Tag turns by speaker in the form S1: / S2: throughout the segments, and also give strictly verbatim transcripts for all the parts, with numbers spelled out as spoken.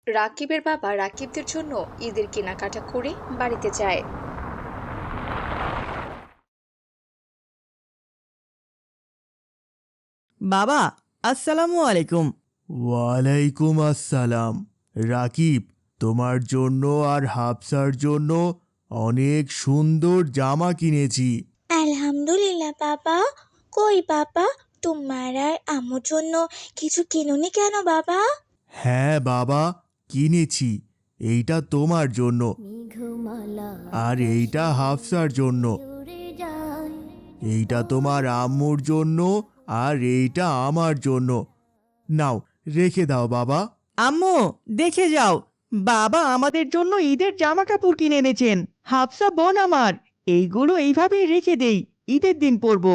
S1: রাকিবের বাবা রাকিবদের জন্য ঈদের কেনাকাটা করে বাড়িতে যায়।
S2: বাবা, আসসালামু আলাইকুম।
S3: ওয়ালাইকুম আসসালাম। রাকিব, তোমার জন্য আর হাফসার জন্য অনেক সুন্দর জামা কিনেছি।
S4: আলহামদুলিল্লাহ বাবা। কই বাবা, তোমার আর আম্মুর জন্য কিছু কিনুনি কেন বাবা?
S3: হ্যাঁ বাবা, কিনেছি। এইটা তোমার জন্য আর এইটা হাফসার জন্য। এইটা তোমার আম্মুর জন্য আর এইটা আমার জন্য। নাও, রেখে দাও বাবা।
S2: আম্মু, দেখে যাও, বাবা আমাদের জন্য ঈদের জামা কাপড় কিনে এনেছেন। হাফসা বোন আমার, এইগুলো এইভাবেই রেখে দেই, ঈদের দিন পরবো।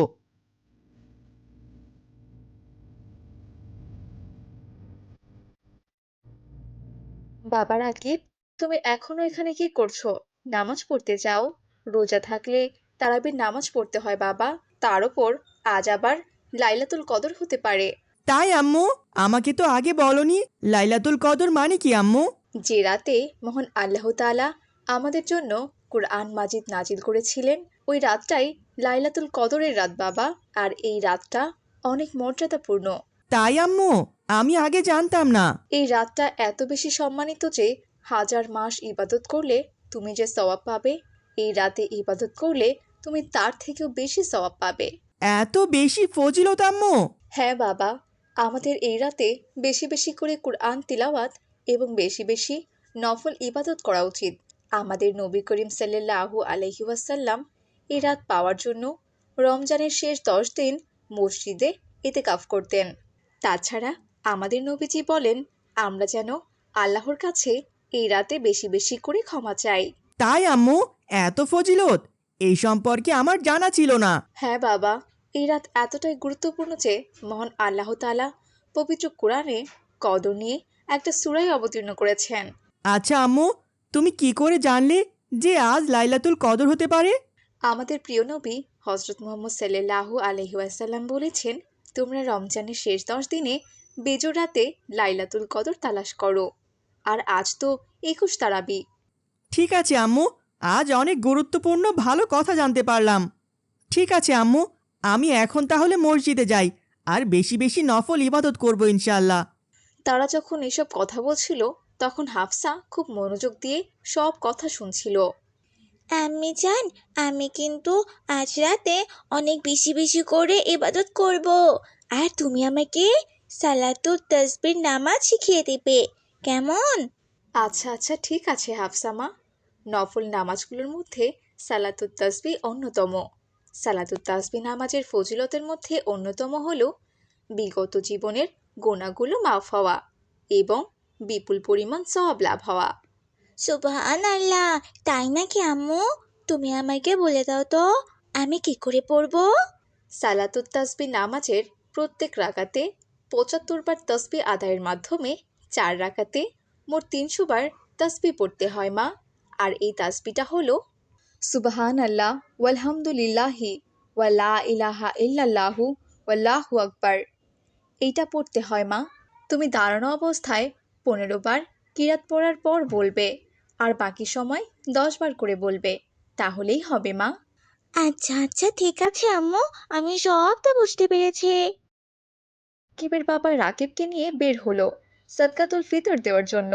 S1: বাবা রাকিব, তুমি এখনো এখানে কি করছো? নামাজ পড়তে যাও। রোজা থাকলে তারাবির নামাজ পড়তে হয় বাবা। তার উপর আজ আবার লাইলাতুল কদর হতে পারে।
S2: তাই আম্মু, আমাকে তো আগে বলনি। লাইলাতুল কদর মানে কি আম্মু?
S1: যে রাতে মহান আল্লাহ তাআলা আমাদের জন্য কুরআন মাজিদ নাজিল করেছিলেন, ওই রাতটাই লাইলাতুল কদরের রাত বাবা। আর এই রাতটা অনেক মর্যাদাপূর্ণ।
S2: তাই আম্মু, আমি আগে জানতাম না।
S1: এই রাতটা এত বেশি সম্মানিত যে হাজার মাস ইবাদত করলে তুমি যে সওয়াব পাবে, এই রাতে ইবাদত করলে তুমি তার থেকেও বেশি সওয়াব পাবে।
S2: এত বেশি ফজিলত আম্মু?
S1: হ্যাঁ বাবা, আমাদের এই রাতে বেশি বেশি করে কুরআন তিলাওয়াত এবং বেশি বেশি নফল ইবাদত করা উচিত। আমাদের নবী করিম সাল্লাল্লাহু আলাইহি ওয়াসাল্লাম এই রাত পাওয়ার জন্য রমজানের শেষ দশ দিন মসজিদে ইতিকাফ করতেন। তাছাড়া আমাদের নবীজি বলেন, আমরা যেন আল্লাহর কাছে এই রাতে বেশি বেশি করে ক্ষমা চাই।
S2: তাই আম্মু, এত ফজিলত এই সম্পর্কে আমার জানা ছিল না।
S1: হ্যাঁ বাবা, এই রাত এতটাই গুরুত্বপূর্ণ যে মহান আল্লাহ তাআলা পবিত্র কোরআনে কদর নিয়ে একটা সূরাই অবতীর্ণ করেছেন।
S2: আচ্ছা আম্মু, তুমি কি করে জানলে যে আজ লাইলাতুল কদর হতে পারে?
S1: আমাদের প্রিয় নবী হজরত মুহাম্মদ সাল্লাল্লাহু আলাইহি ওয়াসাল্লাম বলেছেন, তোমরা রমজানের শেষ দশ দিনে বেজোর রাতে লাইলাতুল কদর তালাশ করো। আর আজ তো একুশ তারাবি।
S2: ঠিক আছে আম্মু, আজ অনেক গুরুত্বপূর্ণ ভালো কথা জানতে পারলাম। ঠিক আছে আম্মু, আমি এখন তাহলে মসজিদে যাই আর বেশি বেশি নফল ইবাদত করব ইনশাআল্লাহ।
S1: তারা যখন এসব কথা বলছিল, তখন হাফসা খুব মনোযোগ দিয়ে সব কথা শুনছিল।
S4: আম্মি জান, আমি কিন্তু আজ রাতে অনেক বেশি বেশি করে ইবাদত করব। আর তুমি আমাকে সালাতুত তাসবির নামাজ শিখিয়ে দেবে, কেমন?
S1: আচ্ছা আচ্ছা ঠিক আছে হাফসামা। নফল নামাজগুলোর মধ্যে সালাতুত তাসবি অন্যতম। সালাতুত তাসবি নামাজের ফজিলতের মধ্যে অন্যতম হলো বিগত জীবনের গোনাগুলো মাফ হওয়া এবং বিপুল পরিমাণ সওয়াব লাভ হওয়া।
S4: সুবহান আল্লাহ, তাই নাকি আম্মু? তুমি আমাকে বলে দাও তো, আমি কি করে পড়বো?
S1: সালাতুত তাসবি নামাজের প্রত্যেক রাকাতে পঁচাত্তর বার তসবি আদায়ের মাধ্যমে চার রাকাতে মোট তিনশো বার তসবি পড়তে হয় মা। আর এই তাসবিটা হলো সুবহান আল্লাহ ওয়ালহামদুলিল্লাহি ওয়ালা ইলাহা ইল্লাল্লাহু ওয়াল্লাহু আকবার। এইটা পড়তে হয় মা। তুমি দাঁড়ানো অবস্থায় পনেরো বার কিরাত পড়ার পর বলবে, আর বাকি সময় দশ বার করে বলবে, তাহলেই হবে মা।
S4: আচ্ছা আচ্ছা ঠিক আছে আম্মু, আমি সবটা বুঝতে পেরেছি।
S1: রাকিবের বাবা রাকিবকে নিয়ে বের হলো সদকাতুল ফিতর দেওয়ার জন্য।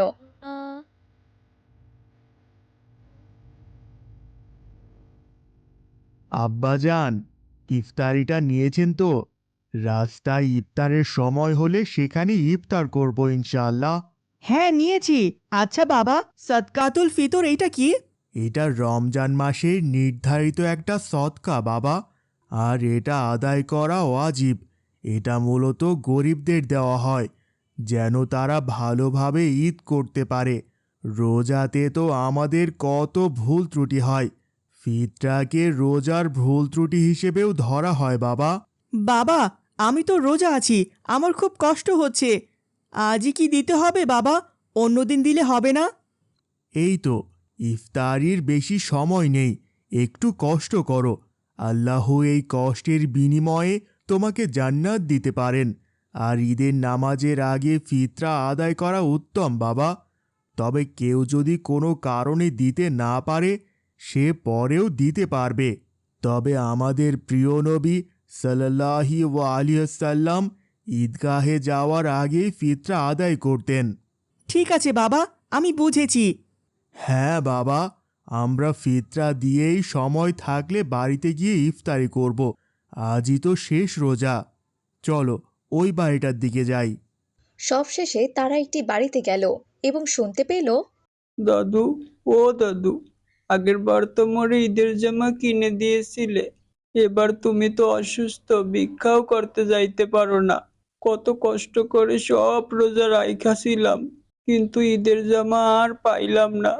S3: আব্বাজান, ইফতারিটা নিয়েছেন তো? রাস্তায় ইফতারের সময় হলে সেখানে ইফতার করব ইনশাআল্লাহ।
S2: হ্যাঁ নিয়েছি। আচ্ছা বাবা, সদকাতুল ফিতর এইটা কি?
S3: এটা রমজান মাসের নির্ধারিত একটা সদকা বাবা, আর এটা আদায় করা ওয়াজিব। এটা মূলত গরিবদের দেওয়া হয় যেন তারা ভালোভাবে ঈদ করতে পারে। রোজাতে তো আমাদের কত ভুল ত্রুটি হয়, ফিতরাকে রোজার ভুল ত্রুটি হিসেবেও ধরা হয় বাবা।
S2: বাবা, আমি তো রোজা আছি, আমার খুব কষ্ট হচ্ছে। আজই কি দিতে হবে বাবা? অন্যদিন দিলে হবে না?
S3: এই তো, ইফতারির বেশি সময় নেই, একটু কষ্ট করো। আল্লাহ এই কষ্টের বিনিময়ে তোমাকে জান্নাত দিতে পারেন। আর ঈদের নামাজের আগে ফিতরা আদায় করা উত্তম বাবা। তবে কেউ যদি কোনো কারণে দিতে না পারে সে পরেও দিতে পারবে। তবে আমাদের প্রিয় নবী সাল্লাল্লাহু আলাইহি ওয়াসাল্লাম ঈদগাহে যাওয়ার আগেই ফিতরা আদায় করতেন।
S2: ঠিক আছে বাবা, আমি বুঝেছি।
S3: হ্যাঁ বাবা, আমরা ফিতরা দিয়েই সময় থাকলে বাড়িতে গিয়ে ইফতারি করব। আজই তো শেষ রোজা। চলো ওই বাড়িটার দিকে যাই।
S1: সবশেষে তারা একটি বাড়িতে গেল এবং শুনতে পেল,
S5: দাদু, ও দাদু, আগের বার তো মোরে ঈদের জামা কিনে দিয়েছিলে, এবার তুমি তো অসুস্থ, ভিক্ষাও করতে যাইতে পারো না। কত কষ্ট করে সব রোজা রাইখাছিলাম, কিন্তু ঈদের জামা আর পাইলাম না।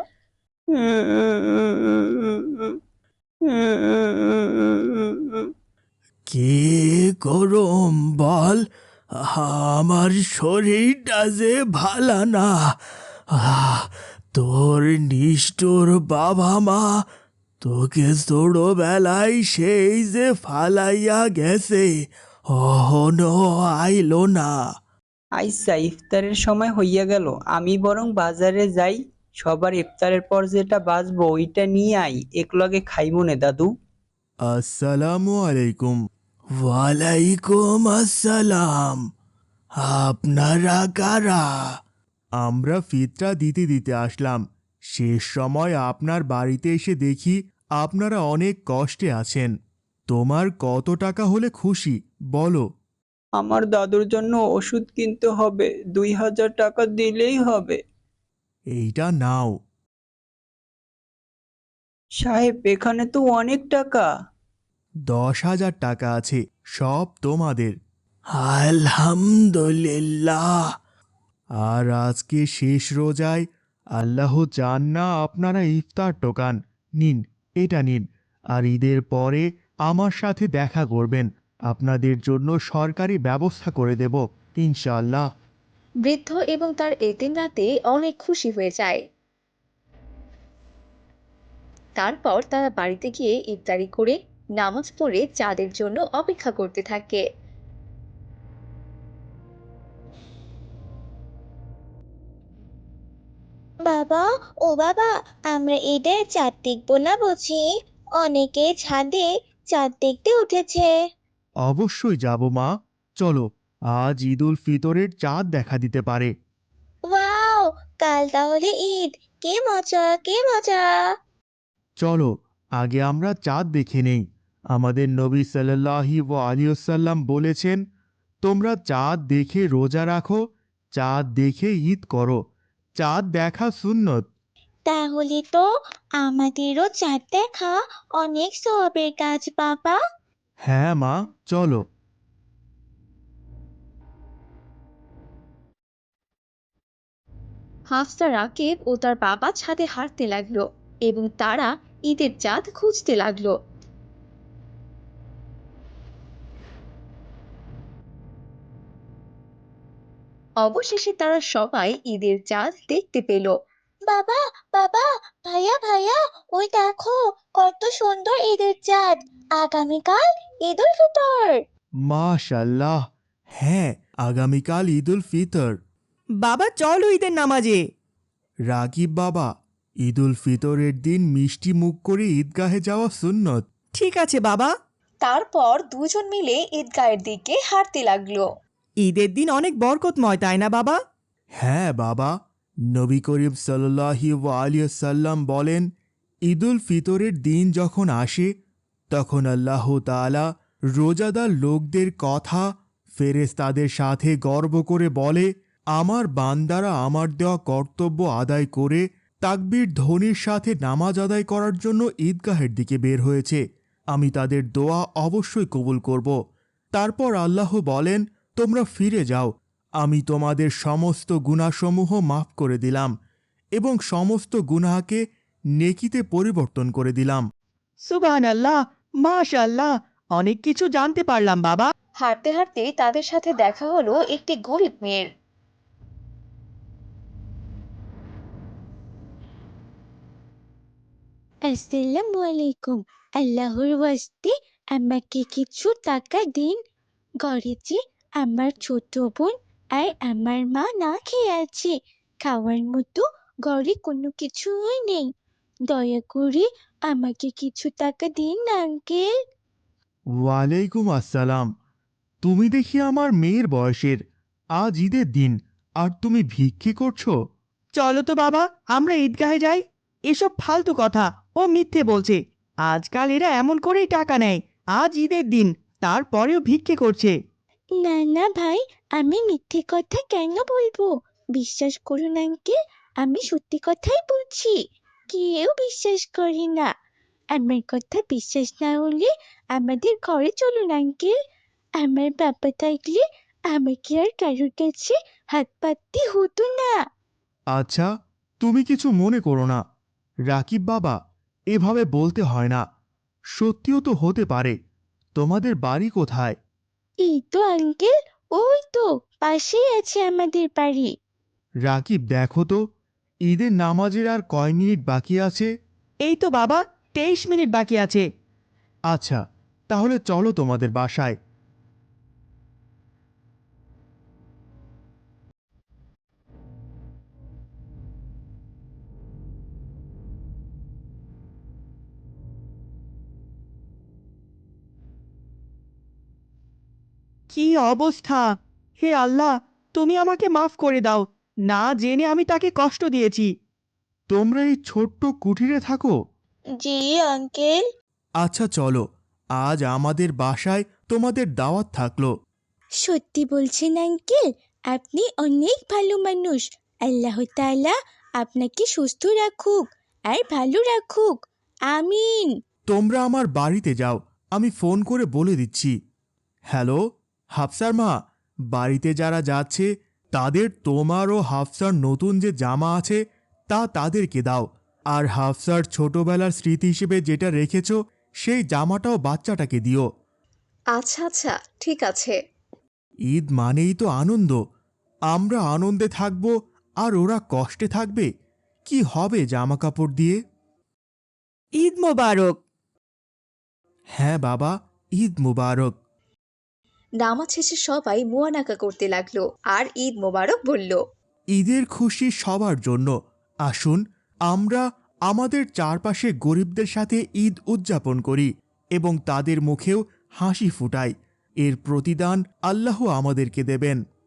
S3: কে গরম বল, আমার শরীরটা যে ভালো না। আহ, তোর নিষ্ঠুর বাবা মা তোকে ছোটবেলায় সেই যে ফালাইয়া গেছে, অহনো আইলো না।
S5: আইসা, ইফতারের সময় হইয়া গেল, আমি বরং বাজারে যাই, সবার ইফতারের পর যেটা বাঁচবো ওইটা নিয়ে আই, একলগে খাইমুনে দাদু।
S3: আসসালামু আলাইকুম। ওয়ালাইকুম আসসালাম। আপনারা কারা? আমরা ফিতরা দিতে দিতে আসলাম। শেষ সময় আপনার বাড়িতে এসে দেখি আপনারা অনেক কষ্টে আছেন। তোমার কত টাকা হলে খুশি বলো?
S5: আমার দাদুর জন্য ওষুধ কিনতে হবে, দুই হাজার টাকা দিলেই হবে।
S3: এইটা নাও।
S5: সাহেব, এখানে তো অনেক টাকা।
S3: দশ হাজার টাকা আছে, সব তোমাদের। আলহামদুলিল্লাহ। আর আজকে শেষ রোজায় আল্লাহ চান না আপনারা ইফতার টোকান। নিন, এটা নিন। আর ঈদের পরে আমার সাথে দেখা করবেন, আপনাদের জন্য সরকারি ব্যবস্থা করে দেব ইনশাআল্লাহ।
S1: বৃদ্ধ এবং তার এতিম রাতে অনেক খুশি হয়ে যায়। তারপর তারা বাড়িতে গিয়ে ইফতারি করে নামাজ পড়ে চাঁদের জন্য অপেক্ষা করতে থাকে।
S4: বাবা, ও বাবা, আমরা ঈদের চাঁদ দেখবো না বুঝি? অনেকে ছাদে চাঁদ দেখতে উঠেছে।
S3: অবশ্যই যাব মা, চলো। আজ ঈদ উল ফিতরের চাঁদ দেখা দিতে পারে।
S4: ওয়াও, কাল তাহলে ঈদ! কে মজা, কে মজা!
S3: চলো আগে আমরা চাঁদ দেখে নেই। আমাদের নবী সাল্লাল্লাহু আলাইহি ওয়াসাল্লাম বলেছেন, তোমরা চাঁদ দেখে রোজা রাখো, চাঁদ দেখে ঈদ করো। চাঁদ দেখা সুন্নত।
S4: তাহলে তো আমাদেরও চাঁদ দেখা অনেক সওয়াবের কাজ বাবা।
S3: হ্যাঁ মা, চলো।
S1: হাফসা, রাকিব ও তার বাবা ছাদে হাঁটতে লাগলো এবং তারা ঈদের চাঁদ খুঁজতে লাগলো। অবশেষে তারা সবাই ঈদের চাঁদ দেখতে পেল।
S4: বাবা, বাবা, ভাইয়া, ভাইয়া, ওই দেখো কত সুন্দর ঈদের চাঁদ! আগামীকাল ঈদ উল ফিতর।
S3: মাশাল্লাহ, হ্যাঁ আগামীকাল ঈদ উল ফিতর।
S2: বাবা চলো ঈদের নামাজে।
S3: রাকিব বাবা, ঈদ উল ফিতরের দিন মিষ্টি মুখ করে ঈদগাহে যাওয়া সুন্নত।
S2: ঠিক আছে বাবা।
S1: তারপর দুজন মিলে ঈদগাহের দিকে হাঁটতে লাগলো।
S2: ঈদের দিন অনেক বরকতময়, তাই না বাবা?
S3: হ্যাঁ বাবা, নবী করিম সাল্লাল্লাহু আলাইহি ওয়াসাল্লাম বলেন, ঈদ উল ফিতরের দিন যখন আসে তখন আল্লাহ তাআলা রোজাদার লোকদের কথা ফেরেশতাদের সাথে গর্ব করে বলে, আমার বান্দারা আমার দেওয়া কর্তব্য আদায় করে তাকবীর ধ্বনির সাথে নামাজ আদায় করার জন্য ঈদগাহের দিকে বের হয়েছে, আমি তাদের দোয়া অবশ্যই কবুল করব। তারপর আল্লাহ বলেন, তোমরা ফিরে যাও, আমি তোমাদের সমস্ত গুনাহসমূহ মাফ করে দিলাম এবং সমস্ত গুনাহকে নেকিতে পরিবর্তন করে দিলাম।
S2: সুবহানাল্লাহ, মাশাআল্লাহ, অনেক কিছু জানতে পারলাম বাবা।
S1: হাঁটতে হাঁটতে তাদের সাথে দেখা হলো একটি গরিব মেয়ের।
S4: আসসালামু আলাইকুম। আল্লাহর ওয়াস্তে আমাকে কিছু টাকা দিন। ঘরে যে আমার ছোট বোন আর আমার মা না খেয়ে আছে, খাওয়ার মতো ঘরে কোনো কিছুই নেই। দয়া করে আমাকে কিছু টাকা দিন না আঙ্কেল।
S3: ওয়ালাইকুম আসসালাম। তুমি দেখি আমার মেয়ের বয়সের। আজ ঈদের দিন আর তুমি ভিক্ষে করছো?
S2: চলো তো বাবা, আমরা ঈদগাহে যাই। এসব ফালতু কথা, ও মিথ্যে বলছে। আজকাল এরা এমন করেই টাকা নেয়। আজ ঈদের দিন, তারপরেও ভিক্ষে করছে।
S4: না না ভাই, আমি মিথ্যে কথা কেন বলবো? বিশ্বাস করুন আঙ্কেল, আমি সত্যি কথাই বলছি। কেউ বিশ্বাস করে না। আমার কথা বিশ্বাস না হলে আমাদের ঘরে চলুন আঙ্কেল। আমার বাবা থাকলে আমাকে আর কারোর কাছে হাত পাততে হতো না।
S3: আচ্ছা, তুমি কিছু মনে করো না। রাকিব বাবা, এভাবে বলতে হয় না। সত্যিও তো হতে পারে। তোমাদের বাড়ি কোথায়?
S4: এই তো আঙ্কেল, ওই তো পাশেই আছে আমাদের বাড়ি।
S3: রাকিব, দেখো তো ঈদের নামাজের আর কয় মিনিট বাকি আছে?
S2: এই তো বাবা, তেইশ মিনিট বাকি আছে।
S3: আচ্ছা, তাহলে চলো তোমাদের বাসায়।
S2: কি অবস্থা! হে আল্লাহ, তুমি আমাকে মাফ করে দাও। না জেনে আমি তাকে কষ্ট দিয়েছি।
S3: তোমরা এই ছোট্ট কুঠিরে থাকো?
S4: জি আঙ্কেল।
S3: আচ্ছা চলো, আজ আমাদের বাসায় তোমাদের দাওয়াত থাকলো।
S4: সত্যি বলছেন আঙ্কেল? আপনি অনেক ভালো মানুষ। আল্লাহ তাআলা আপনাকে সুস্থ রাখুক আর ভালো রাখুক। আমিন।
S3: তোমরা আমার বাড়িতে যাও, আমি ফোন করে বলে দিচ্ছি। হ্যালো, হাফসার মা, বাড়িতে যারা যাচ্ছে তাদের তোমার ও হাফসার নতুন যে জামা আছে তা তাদেরকে দাও। আর হাফসার ছোটবেলার স্মৃতি হিসেবে যেটা রেখেছো সেই জামাটাও বাচ্চাটাকে দিও।
S1: আচ্ছা আচ্ছা, ঠিক আছে।
S3: ঈদ মানেই তো আনন্দ। আমরা আনন্দে থাকব আর ওরা কষ্টে থাকবে। কি হবে জামা কাপড় দিয়ে?
S2: ঈদ মোবারক।
S3: হ্যাঁ বাবা, ঈদ মুবারক।
S1: নামাজ শেষে সবাই মুয়ানাকা করতে লাগলো আর ঈদ মোবারক বলল।
S3: ঈদের খুশি সবার জন্য। আসুন আমরা আমাদের চারপাশে গরিবদের সাথে ঈদ উদযাপন করি এবং তাদের মুখেও হাসি ফুটাই। এর প্রতিদান আল্লাহ আমাদেরকে দেবেন।